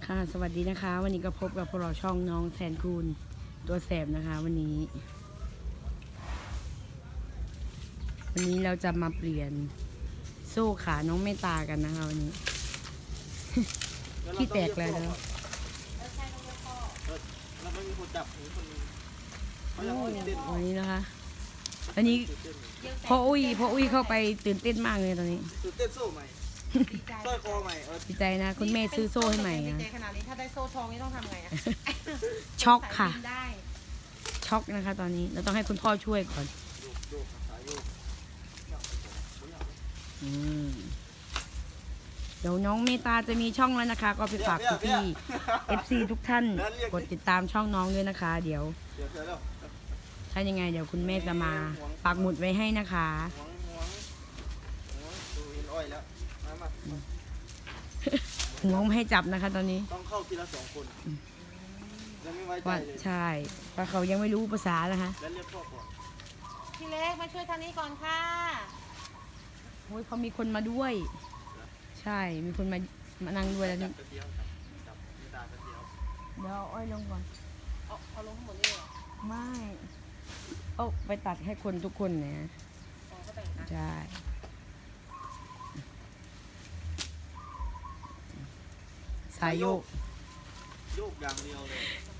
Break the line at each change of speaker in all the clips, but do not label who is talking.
ค่ะสวัสดีนะคะวันนี้ก็พบกับพวกเราช่องน้องแสนคูณตัวแสบนะคะวันนี้เราจะมาเปลี่ยนโซ่ขาน้องเมตตากันนะคะวันนี้ ที่แตกเลยแล้ว
ไม่มีคนจับคนนึงเขายังตื่นเต้น
วันนี้นะคะวันนี้พ่ออุ้ยเข้าไปตื่นเต้นมากเลยตอนนี้
ตื่นเต้นโซ่ใหม่สร้อยคอใหม่
ดีใจนะคุณแม่ซื้อโซ่ให้ใหม่
ดี
นะ
ใจขนาดนี้ถ้าได้โซ่ทองนี่ต้องทำไงอะ
ช็อกค่ะ
สายบินได้
ช็อกนะคะ ตอนนี้เราต้องให้คุณพ่อช่วยก่อน
โยกสายโยก
เดี๋ยวน้องเมตตาจะมีช่องแล้วนะคะ ก็ไปฝากพี่ๆ FC ทุกท่านกดติดตามช่องน้องด้วยนะคะ เดี๋ยวถ้ายังไงเดี๋ยวคุณแม่จะมาปักหมุดไว้ให้นะคะ
ดูเห็นอ้อยแล้วมา
ห่วงไม่ให้จับนะคะ ตอนนี้
ต้องเข้าทีละ2 คนยังไม่ไว้ใจ
ว่า
เลย
ใช่เพราะเขายังไม่รู้ภาษานะคะ
แล้วเรียกพ่อก่อน
พี่เล็กมาช่วยทางนี้ก่อนค่ะ
โอ้ยเขามีคนมาด้วย ใช่มีคนมานั่งด้วยแล้ว
จั
นี่
บกระเทียมจับไม่ตากระเทียม
เดี๋ยวอ้อยลงก่อน
เอาลงทั้งหมดนี่เหรอ
ไม่เอาไปตัดให้คนทุกคนเนี่ย
อ๋อก็แบ่งกัน
ใช่สายโยก
โยกอย่างเดียวเลย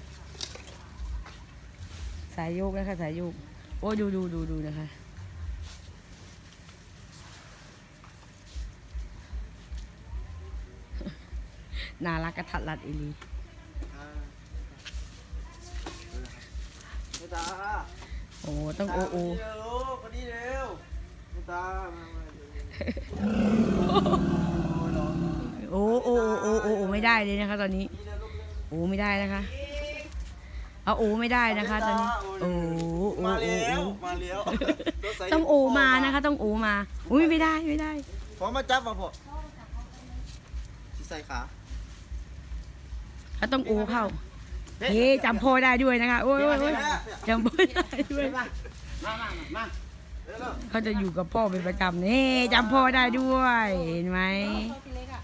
สายโยกนะคะสายโยกโอ้ดูนะคะน่ารักกระทัดรัดอีหลี
ไม่ตา
โอ้ต้องโอโอ
คนนี้เร็วไม่ตา
โอ้ไม่ได้เลยนะคะ ตอนนี้โอ้ไม่ได้นะคะเอาโอ้ไม่ได้นะคะ ตอนนี้โอ้
มาแล้ว
ต้องโอมานะคะ ต้องโอมาอุ้ยไม่ได้
พอมาจับมาพอใส่ขา
เขาต้องโอเข้าเฮ้จำพ่อได้ด้วยนะคะโอ้ยจำพ่อได้ด้วยเขาจะอยู่กับพ่อเป็นประจำนี่จำพ่อได้ด้วยเห็นไหม
โซ่พี่เล็กอะ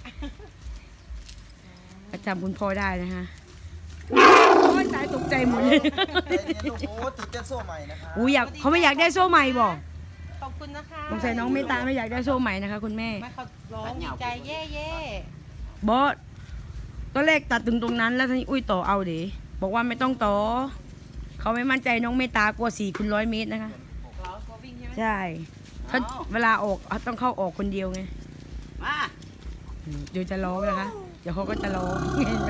ประจำคุณพ่อได้นะคะโอ้ยตายตกใจหมดเลย
โอ้โหติดเต้นโซ่ใหม่นะคะ
อู้อยากเขาไม่อยากได้โซ่ใหม่บอก
ขอบคุณนะคะ
สงสัยน้องเมตตาไม่อยากได้โซ่ใหม่นะคะคุณแม่
ไม่เขาร้องดีใจเย่เย่
บอสตอนแรกตัดถึงตรงนั้นแล้วทีนี้อุ้ยต่อเอาเด๋บอกว่าไม่ต้องต่อเขาไม่มั่นใจน้องเมตตากลัว4x100 เมตรนะคะ
เราเขาวิ่งใช่ไหม
ใช่เขาเวลาออกต้องเข้าออกคนเดียวไง
มา
เดี๋ยวจะร้องนะคะ เดี๋ยวเขาก็จะร้องเห็นไหม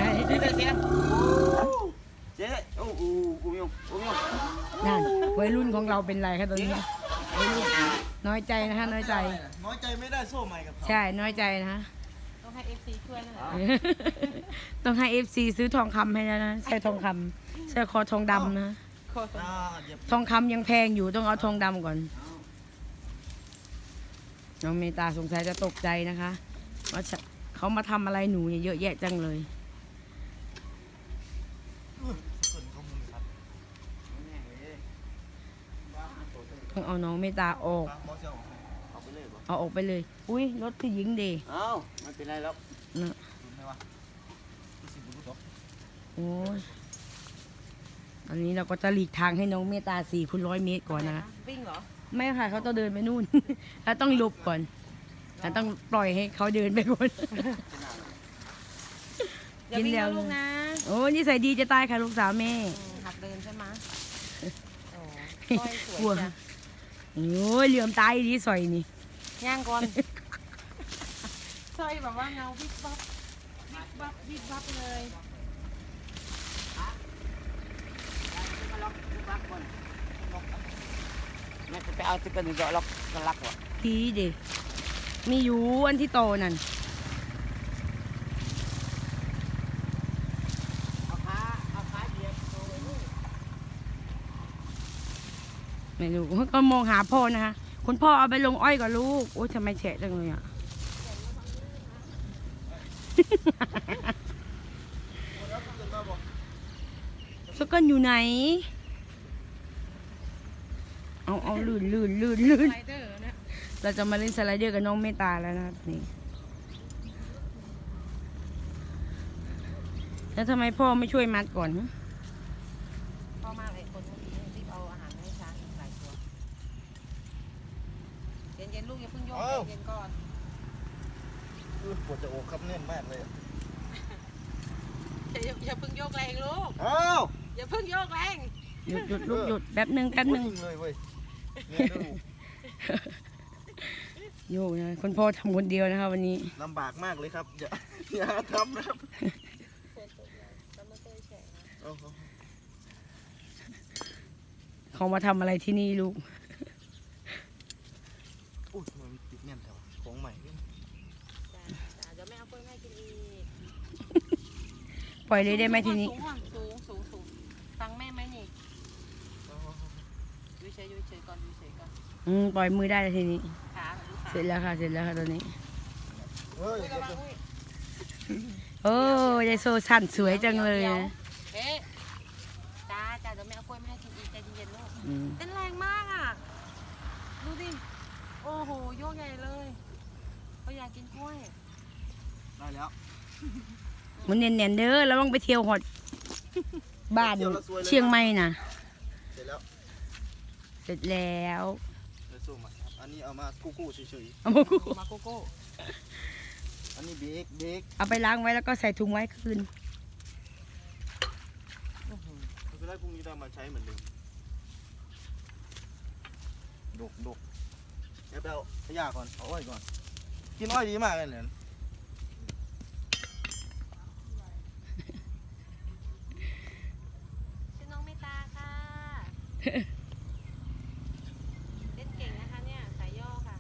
เจ๊โอ้โหอุ้มยง
นั่นวัยรุ่นของเราเป็นไรคะตอนนี้วัยรุ่นน้อยใจนะคะน้อยใจ
น้อยใจไม่ได้โซ่ใหม่กับเขา
ใช่น้อยใจนะคะ
ต้องให้ FC ช่วยนั่นแหละ
ต้องให้ FC ซื้อทองคำให้แล้วนะใส่ทองคำใส่คอทองดำนะ
โคตร
เหยียบ
ทองคำยังแพงอยู่ต้องเอาทองดำก่อนน้องเมตตาสงสัยจะตกใจนะคะว่าเขามาทำอะไรหนูเนี่ยเยอะแยะจังเลยต้องเอาน้องเมตตาออก
มอเซลเอาไปเลยบ่
เอาออกไปเลย อุ้ยรถที่หญิงเด
เอ้าไม่เป็นไรแล้ว
นะ
ดูไหมวะดูสิบุรุษเหรอ
โอ้ยตอนนี้เราก็จะหลีกทางให้น้องเมตตา4x100 เมตรก่อนนะคะ
วิ่งเหรอ
ไม่ค่ะเขาต้องเดินไปนู่น แล้วต้องหลบก่อนแล้วต้องปล่อยให้เขาเดินไปก่อน
อย่าวิ่งนะลูกนะ
โอ้นิสัยดีจะตายค่ะลูกสาวแม่
หัดเดินใช่ไหมโอ้ก้อยส
กลัว
วยจ้ะ
โอ้ยเหลื่อมตายดีสอยนี่
ย่างก่อนสร้อยแบบว่าเงาวิบวับวิบวับวิบวับเลย
ไม่ไปเอาติ๊กเกอร์หนึ่งดอกล็อกกันลักวะ
ทีเด็มีอยู่อันที่โตนั่น
เอาขาเหยียบโซ่
ไม่รู้ก็มองหาพ่อนะคะ คุณพ่อเอาไปลงอ้อยกับลูก โอ้ยทำไมแฉะจังเลยอ่ะ สกอนอยู่ไหน เอาลื่น
ไรเดอร์เนี่ย
เราจะมาเล่นสไลเดอร์กับน้องเมตตาแล้วนะครับนี่แล้วทำไมพ่อไม่ช่วยมัดก่อนฮะ
พ่อมากเลยคนเมื่อกี้รีบเอาอาหารมาให้ช้างอีกหลายตัวเย็นๆลูกอย่าเพิ่งโยกเย็นๆก่อน
ปวดจะอกครับแน่นมากเลย
อย่าเพิ่งโยกแรงลูก
อ้าว
อย่าเพิ่งโยกแรง
หยุดลูกหยุดแป๊บหนึ่ง
เลยเว้ยเนี่ยดู
โยกนะคุณพ่อทำคนเดียวนะคะวันนี้
ลำบากมากเลยครับอย่าทำนะครับโอ้โห
เขามาทำอะไรที่นี่ลูก
อุ้ยมันติดแน่นแถวของใหม่
จ้าเดี๋ยวแม่เอากล้วยแม่กินอีก
ปล่อยเลยได้ไหมทีนี้
สูงฟังแม่ไหมนี่ดูเฉยก่อนดูเฉยก่อน
ปล่อยมือได้แล้วทีนี้
ขาดูขา
เสร็จแล้วค่ะตอนนี้
เฮ้ย
ระวังอุ้ย
โอ้ยายโซสั่นสวยจังเลยนะ
เอ๊ะจ้าเดี๋ยวแม่เอากล้วยแม่กินอีกใจเย็นๆลูก
อืม
เต้นแรงมากอ่ะดูดิโอ้โหโยกใหญ่เลยเขาอยากกินกล้วย
ได้แล้ว
มันเนียนๆเด้อแล้วต้องไปเที่ยวหอดบ้านเชียงใหม่นะ
เสร็จแล้ว
เสร็จแล้ว
เดี๋ยวสู้มาครับอันนี้เอามากู้ๆเฉย
เอามากู
มาโกโก้
ๆอันนี้เบรก
เอาไปล้างไว้แล้วก็ใส่ถุงไว้คืน
ไม่เป็นไรพรุ่งนี้ได้มาใช้เหมือนเดิมดกเดี๋ยวไปเอาขยะก่อนเอาอ้อยก่อนกินอ้อยดีมากเลยเนี่ย
ชื่อน้องเมตตาค่ะเล่นเก่งนะคะเนี่ยสายย่อค่ะ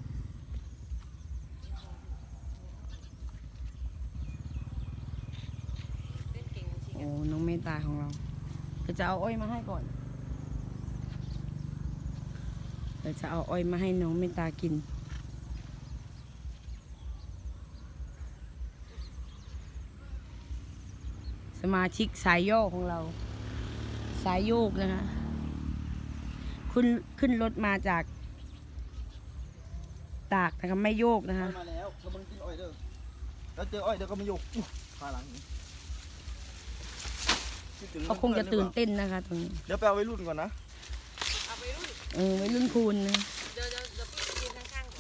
เล่นเก่งจริงๆ
โอ้
อะ
น้องเมตตาของเราเดี๋ยวจะเอาอ้อยมาให้ก่อนเดี๋ยวจะเอาอ้อยมาให้น้องเมตตากิน สมาชิกสายโยกของเรา สายโยกนะคะขึ้นรถมาจากตากนะคะไม่โยกนะคะ
อ้อยมาแล้วเราบังกินอ้อยเด้อแล้วเจออ้อยเดี๋ยวก็ไม่ยกขาหลังนี้คิดถึ
เขาคงจะตื่นเต้นนะคะตรงนี้
เดี๋ยวไปเอาไว้รุ่นก่อนนะ
เอาไปรุ่น
ไว้รุ่นคูณนะ
เดี๋ยวพี่ไปยืนข้างๆก่อน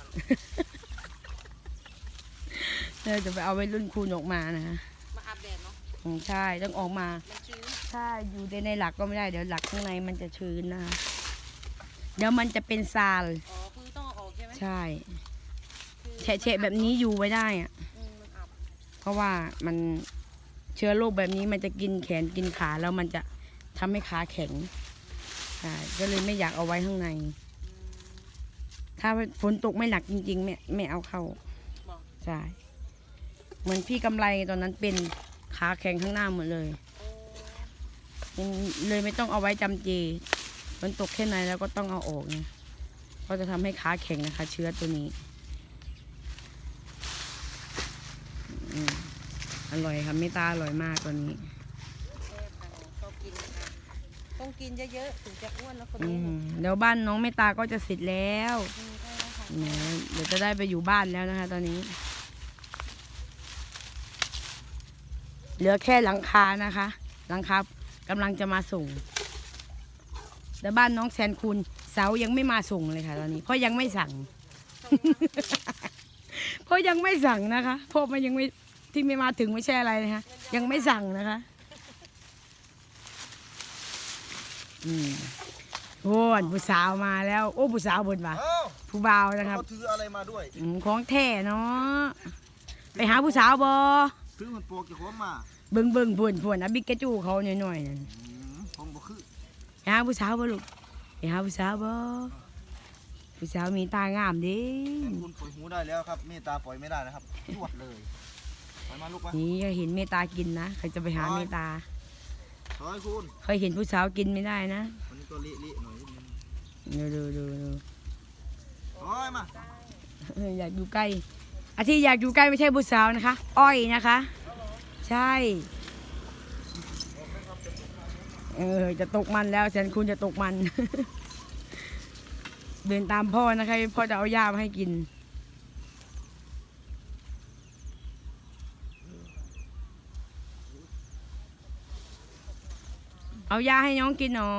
เราจะไปเอาไว้รุ่นคูณออกมานะคะ
มาอาบแดดเนาะ
ใช่ต้องออกมา
มันชื้น
ถ้าอยู่ในหลักก็ไม่ได้เดี๋ยวหลักข้างในมันจะชื้นนะคะเดี๋ยวมันจะเป็นซาล
อ๋อคือต้องเอาออกใช่ไหม
ใช่
คือ
แฉะๆแบบนี้อยู่ไว้ได้อะ
มันอับ
เพราะว่ามันเชื้อโรคแบบนี้มันจะกินแขนกินขาแล้วมันจะทำให้ขาแข็งใช่ก็เลยไม่อยากเอาไว้ข้างใน ถ้าฝนตกไม่หนักจริงๆไม่เอาเข้า
บอก
ใช่เหมือนพี่กำไรตอนนั้นเป็นขาแข็งข้างหน้าหมดเลย
โอ้
ยังเลยไม่ต้องเอาไว้จำเจฝนตกแค่ไหนแล้วก็ต้องเอาออกนะก็จะทำให้ขาแข็งนะคะ เชื้อตัวนี้อืมอร่อยค่ะเมตตาอร่อยมากตัวนี้
แซ่บค่ะชอบกินค่ะต้องกินเยอะๆถึงจะอ้วนแล้วคน
อื
นี้
มเดี๋ยวบ้านน้องเมตตาก็จะเสร็จแล้ว
ได้แล้วค่ะ
แหมเดี๋ยวจะได้ไปอยู่บ้านแล้วนะคะ ตอนนี้ เหลือแค่หลังคานะคะ หลังคากำลังจะมาส่งแต่บ้านน้องแซนคุณเสายังไม่มาส่งเลยค่ะ ตอนนี้เพราะยังไม่สั่ง เพราะยังไม่สั่งนะคะเพราะมันยังไม่ที่ไม่มาถึงไม่ใช่อะไรนะคะยังไม่สั่งนะคะโอ้ยผู้สาวมาแล้ว โอ้ผู้สาวบนบ่า
เอ้า
ผู้บ่าวนะครับ
เขาถืออะไรมาด้วย
ของแท้เนาะไปหาผู้สาวบอ
ถือมันโปรกี่คนมา
เบิ่งพวนอะบิ๊กกระจูเขาหน่อยๆนั่น
ผมบอกคือ
ไปหาผู้สาวบ่ลูกไปหาผู้สาวบ่ผู้สาวมีตางามเดิ
คุณปล่อยหูได้แล้วครับเมตตาปล่อยไม่ได้นะครับรวดเลยไปมาลูกมา
นี่ก็เห็นเมตตากินนะใครจะไปหาเมตตา
ถอยคุณ
เคยเห็นผู้สาวกินไม่ได้นะ
วันนี้ก็เละๆหน่อยนิดนึง
ดู
ถอยมา
อยากอยู่ใกล้อาที่อยากอยู่ใกล้ไม่ใช่ผู้สาวนะคะ อ้อยนะคะ ใช่จะตกมันแล้วแสนคุณจะตกมัน เดินตามพ่อนะคะพ่อจะเอาหญ้ามาให้กินเอายาให้น้องกินหน่อย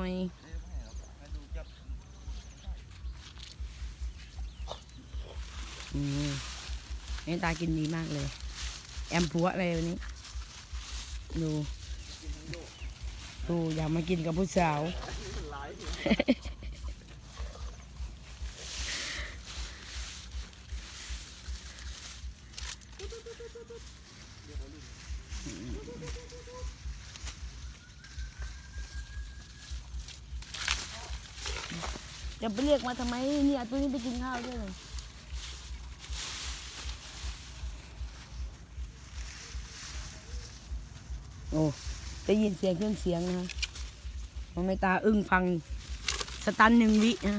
แม่ตากินดีมากเลย แอมผัวอะไรวันนี้ ดูอยากมากินกับผู้สาว จะไปเรียกมาทำไมเนี่ยตัวนี้ไปกินข้าวด้วยเลยโอ้ได้ยินเสียงเครื่องเสียงนะมันไม่ตาอึ้งฟังสตัน1 วินะ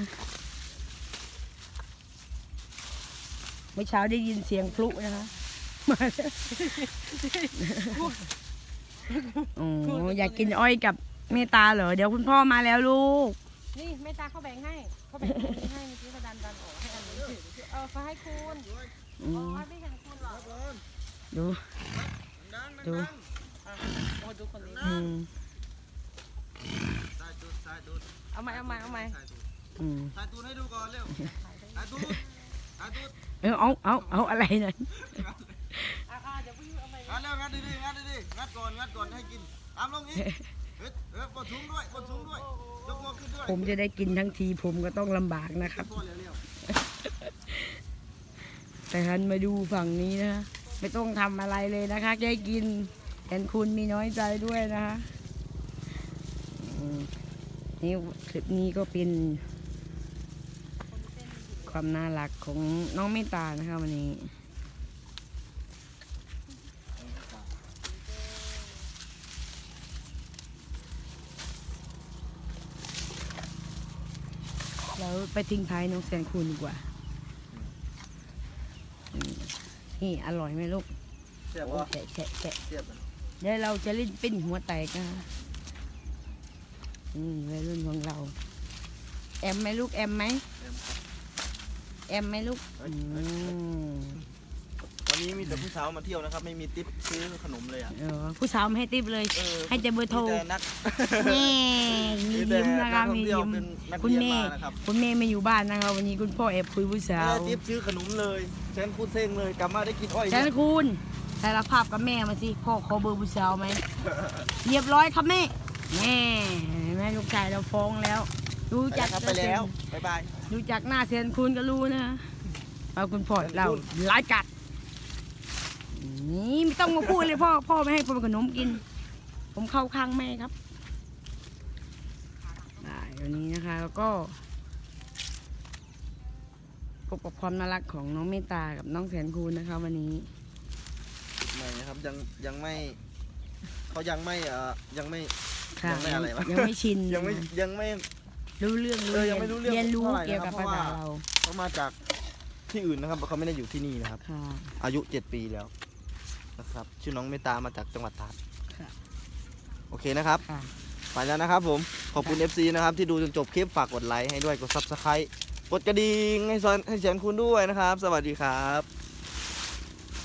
เมื่อเช้าได้ยินเสียงพลุนะคะมาแล้วโอ้อยากกินอ้อยกับเมตตาเหรอเดี๋ยวคุณพ่อมาแล้วลูก
นี่แม่ตาเขาแบ่งให้เขาแบ่งตรงนี้ให้เมื่อกี้เขาดันออกให้อันนี้เขาให้คุณอ๋อไม่เห็นคุณหรอ
ดู
ดู
มาดูคนนี้ เอาไหม
ถ่ายตูนให้ดูก่อนเร็วถ่ายตูน
เอาอะไรนั่น
เดี๋ยวพี่เอาไหม
งัดเร็วงัดดีงัดก่อนให้กินตามลงอีกปวดสูงด้วยยกมือขึ้นด้วย
ผมจะได้กินทั้งทีผมก็ต้องลำบากนะครับ แต่ท่านมาดูฝั่งนี้นะไม่ต้องทำอะไรเลยนะคะแค่กินแทนคุณมีน้อยใจด้วยนะคะนี่คลิปนี้ก็เป็นความน่ารักของน้องเมตตานะคะวันนี้แล้วไปทิ้งท้ายน้องแสนคูณดีกว่านี่อร่อยไหมลูก
เสียบ
โอ้
วะ
แฉะ
เสียบ
เดี๋ยวเราจะเล่นปิ้นหัวแตกนะวัยรุ่นของเรา แอมไหมลูกแอมไหมแอมไหมลูก
วันนี้มีแต่ผู้สาวมาเที่ยวนะครับไม่มีติ๊บซื้อขนมเลยอ่ะ
ผู้สาวไม่ให้ติปเลย ให้แต่เบอร์โทร
มีแต่นัก
นี่มียิ้มนะคะมียิ้ม
นัก
คุณ
เรียน
แม่
มานะครับ
คุณแม่ไม่อยู่บ้านนะคะวันนี้คุณพ่อแอบคุยผู้สา
ไม่
ว
ได้ติ๊บซื้อขนมเลยฉันพูดเซ็งเลยกลับมาได้กินอ้อย
แสนคูณสารภาพกับแม่มาสิพ่อขอเบอร์ผู้สาวไหมเรียบร้อยครับแม่แม่แม่ลูกชายเราฟ้องแล้วรู้จัก
ไปแล้วบ๊ายบาย
รู้จักหน้าแสนคูณก็รู้นะเอาคุณพ่อเราไล่กัดนี่ไม่ต้องมาพูดเลยพ่อไม่ให้ผมขนมกิน ผมเข้าข้างแม่ครับได้วันนี้นะคะแล้วก็พบกับความน่ารักของน้องเมตตากับน้องแสนคูณนะคะวันนี้
ไม่นะครับยังไม่เขายังไม่
ค่ะ
ยังไม่อะไรวะ
ยังไม่ชิน
ยังไม่
รู้เรื่อง
ยังไม่รู้เรื่อง
เรียนรู้
เท่าไหร่
เกี่ยวกับ
นะครับ
ภาษา
เพราะว่า
เรา
เขามาจากที่อื่นนะครับเขาไม่ได้อยู่ที่นี่นะครับ
ค่ะ
อายุ 7 ปีแล้วนะครับชื่อน้องเมตตามาจากจังหวัดตราด
ค่ะ
โอเคนะครับ
ค่ะ
ไปแล้วนะครับผมขอบคุณ FC นะครับที่ดูจนจบคลิปฝากกดไลค์ให้ด้วยกด Subscribe กดกระดิ่งให้แสนคุณด้วยนะครับ สวัสดีครับ